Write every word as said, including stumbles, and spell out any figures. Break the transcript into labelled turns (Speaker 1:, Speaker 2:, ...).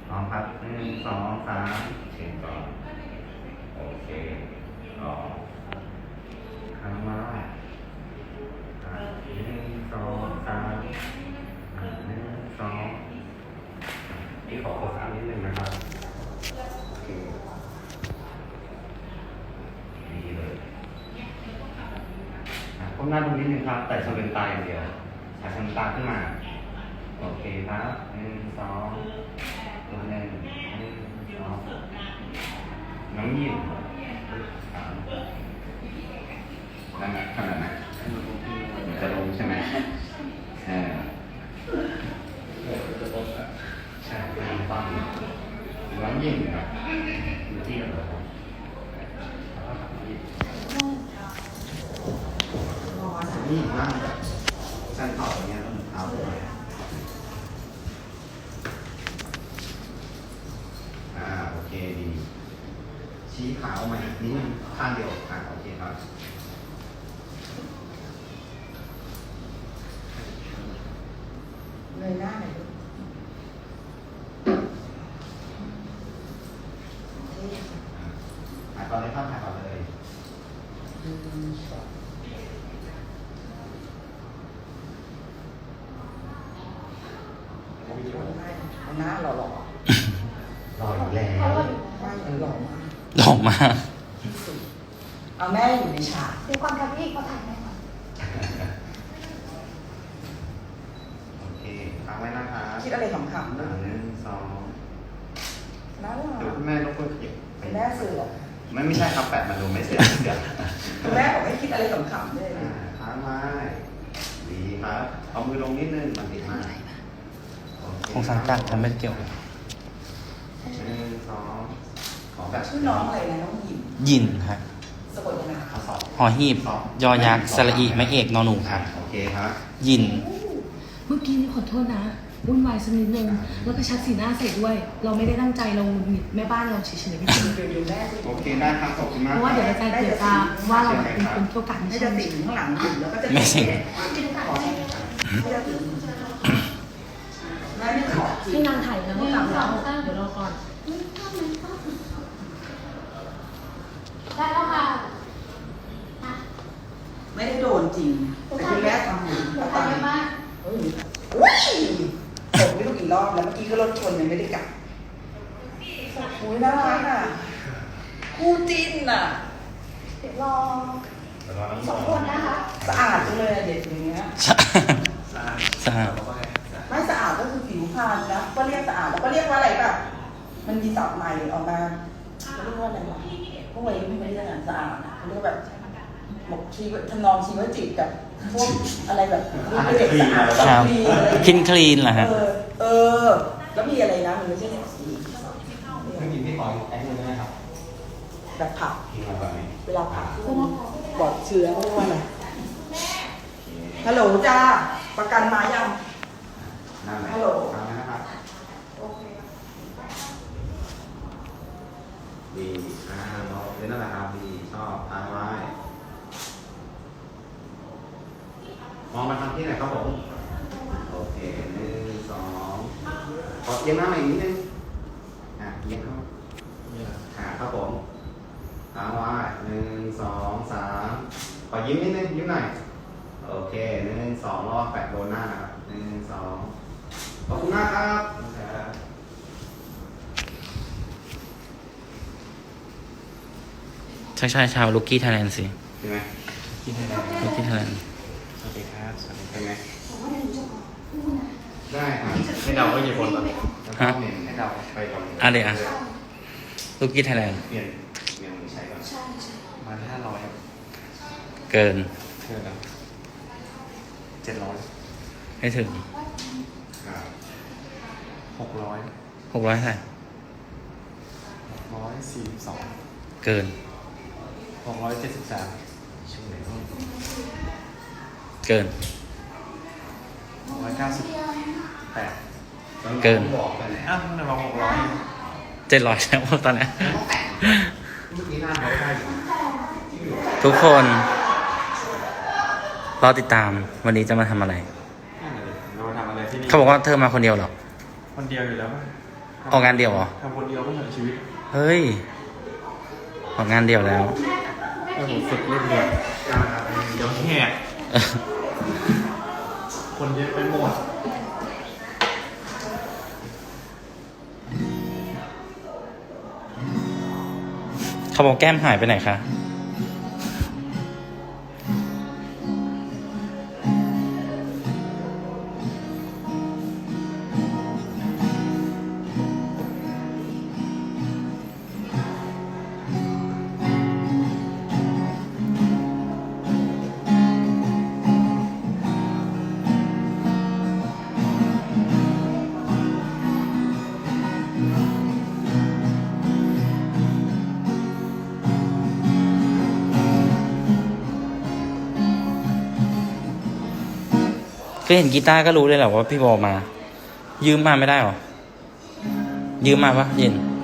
Speaker 1: พร้อมครับหนึ่งสองสามเช็คก่อนโอเคต่อข้างมาอ่ะหนึ่งสองสามอ่ะหนึ่งสองนี่ขอโฟกัสนิดนึงนะครับโอเคดีเลยอ่ะก้มหน้าตรงนี้นึงครับแต่ชนเป็นตาอย่างเดียวฉากชนตาขึ้นมาโอเคครับหนึ่งสองตัวหนึ่งหนึ่งสองน้องยิ้มสามได้ไหมขนาดไหนจะลงใช่ไหมเออใช่ไม่ต้องน้องยิ้มครับอยู่ที่เรานี่นั่งสั้นต่อตรงนี้ต้องเท้าลงอ่าโอเคดีชี้ขาออกมาอีกนิดนึงข้างเดียวอ่าโอเคครับ
Speaker 2: เลยหน้าหน่อยดู
Speaker 1: ถ่ายก่อนเลยครับถ่ายก่อนเลย
Speaker 2: อืมสองเอาหน้าหล่อหล่อ
Speaker 1: รออยู่แล้ว
Speaker 2: ไม่เออหล่อมาก
Speaker 3: หล่อมาก
Speaker 2: ที่สุดเอาแม่อยู่ในฉาก
Speaker 4: เดี๋ยวก่อนครับพี่เขาถ่ายแม่ก่อน
Speaker 1: โอเคฟังไว้นะครับ
Speaker 2: คิดอะไรขำๆ
Speaker 1: ห
Speaker 2: ด้วย
Speaker 1: นึ่งสอง
Speaker 2: น่ารั
Speaker 1: เดี๋ยว
Speaker 2: ก
Speaker 1: คุณแม่รบกวนขยับ
Speaker 2: คุณแม่เสือ
Speaker 1: ไม่ไม่ใช่ครับแปะมาดูไม่เสียเสีย
Speaker 2: คุณแม่บอกให้คิดอะไรขำๆด้วย
Speaker 1: อ่าค้างไว้ดีครับเอามือลงนิดนึงมันติดมากโอเค
Speaker 3: คงสังกัดทำไม่เกี่ยว
Speaker 1: หนึ่งสองขอแบบ
Speaker 2: ชื่อน้องอะไรนะน้องหยิม
Speaker 3: ยินครับ
Speaker 2: สะกดยังไง
Speaker 1: ข้อสอบ
Speaker 3: หอหีบ ยอยักษ์สระอีไม่เอกนอหนูค
Speaker 1: อ่า
Speaker 3: รับ
Speaker 1: โอเคครับ
Speaker 3: ยิน
Speaker 4: เมื่อกี้นี่ขอโทษนะวุ่นวายสักนิดนึงแล้วก็ชักสีหน้าใส่ด้วย เราไม่ได้ตั้งใจเราหงุดหงิดแม่บ้านเราเฉยๆพี่จริง
Speaker 2: เดี๋ยวเดี๋ยวแม่สิ
Speaker 1: โอเคได้ครับขอบคุณมาก
Speaker 4: เพราะว่าเดี๋ยวอาจารย์เดี๋ยวจะว่าเราเป็นคนเกี่ยวกัน
Speaker 2: ไม่
Speaker 4: ไม่
Speaker 2: จะ
Speaker 4: ใช่
Speaker 2: ติดข้างหลังหยิมแล้วก็จะ
Speaker 3: ไม่สิ
Speaker 2: ขอไม่จะติดแม่ไม่ขอจริ
Speaker 4: ให้
Speaker 2: ง
Speaker 4: นางถ่ายแล้วก็กลับแล้วเดี๋ยวรอก่อนได้แล้วค่ะ
Speaker 2: ไม่ได้โดนจริงแต่คุณแม่ทำหนู
Speaker 4: ถ่ายเยอะมาก
Speaker 2: เฮ้ยอุ้ยตกไม่รู้กี่รอบแล้วเมื่อกี้ก็รถชนยังไม่ได้กลับอุ้ยน่ารักอ่ะคู่จิ้นอ่ะ
Speaker 4: เดี๋ยวรอ
Speaker 1: เดี๋ยวรอน้อง
Speaker 4: ส
Speaker 1: บ
Speaker 4: อ
Speaker 1: อง ก
Speaker 4: คนนะคะ
Speaker 2: สะอาดจังเลยอะเด็กอย่างเงี้ย
Speaker 3: สะอาดสะอาด
Speaker 2: ไม่สะอาดก็คือผิวพรรณนะก็เรียกสะอาดแล้วก็เรียกว่าอะไรแบบมันมีศัพท์ใหม่ออกมาเขาเรียกว่าอะไรวะพวกวัยรุ่นไม่ได้เรียกสะอาดอะเขาเรียกแบบบอกชีวทำนองชีวจิตกับพวกอะไรแบบเด็กสะอาด
Speaker 3: ครับ
Speaker 2: คลีนอะไร
Speaker 3: คินคลีนเหรอฮะ
Speaker 2: เออเออ แล้วมีอะไรนะมันไม่ใช่เนี่ยสี
Speaker 1: ไม่กินพี่ขอแอคนึงนะครับ
Speaker 2: แบบผัก
Speaker 1: กินมาแบบนี้
Speaker 2: เวลาผักปลอดเชื้อเขาเรียกว่าอะไรฮัลโหลจ้าประกันมายัง
Speaker 1: นั่นแหละ
Speaker 2: ฮัลโหล
Speaker 1: ทำนะครับ
Speaker 2: โอเค
Speaker 1: ดีอ่าเราเล่นนั่นแหละครับดีชอบทางไว้มองมาทางที่ไหนครับผมโอเคหนึ่งสองขอเอียงหน้ามาอีกนิดนึงอ่ะเอียงเข้าขาครับผมทางไว้หนึ่งสองสามขอยิ้มนิดนึงยิ้มหน่อยโอเคหนึ่งสองรอบแปะโดนหน้านะครับหนึ่งสองขอบคุณมากครับ
Speaker 3: ใช่ใช่ชาวลูกกี้ไทยแลนด์สิ
Speaker 1: ใช่ไหม
Speaker 3: ลูกกี้ไทยแลนด์
Speaker 1: สวัสดีครับสวัสดีใช่ไหม
Speaker 4: ผมว่าเดี๋ยวหนูจะขอพูดนะ
Speaker 1: ได้ครับให้เดาก็กี่คนตอนนี้ให้เดาไปก่อน
Speaker 3: อะไรอ่ะลูกกี้ไทยแลนด์
Speaker 1: เปลี่ยนเปลี่ยนมือใช้ก่อน
Speaker 4: ใช่ใช่
Speaker 1: มาห้าร้อยครับ
Speaker 3: เกิน
Speaker 1: เท่าไหร่เจ็ดร้อย
Speaker 3: ให้ถึง
Speaker 1: ครับหกร้อย
Speaker 3: หกร้อยเท่าไหร่
Speaker 1: หกร้อยสี่สิบสอง
Speaker 3: เกิน
Speaker 1: หกร้อยเจ็ดสิบสามช่วงไหนบ้าง
Speaker 3: เกิน
Speaker 1: หกร้อยเก้าสิบแปด
Speaker 3: เกิน
Speaker 1: บอกกันอ้าวมันบอกหกร้อย
Speaker 3: เจ็ดร้อยแล้วตอนนี้
Speaker 1: เมื่อกี้หน้าเขาได้อยู่
Speaker 3: ทุกคนรอติดตามวันนี้จะมาทำอะไร
Speaker 1: เราทำอะไรที่นี่
Speaker 3: เขาบอกว่าเธอมาคนเดียวเหรอ
Speaker 1: คนเดียวอยู่แล้วป่ะ
Speaker 3: ฮออกงานเดี่ยวเหรอ
Speaker 5: ทำคนเดียวก็ทั้งชีวิต
Speaker 3: เฮ้ย ออกงานเดี่ยวแล้ว
Speaker 5: ถ้าผมฝึกเล่นเดียวเดี๋ยวแหกคนเยอะไปหมด
Speaker 3: เขาบอกแก้มหายไปไหนคะ ก็เห็นกีตาร์ก็รู้เลยแหละว่าพี่บอลมา ยืมมาไม่ได้หรอ ยืมมาปะเย็น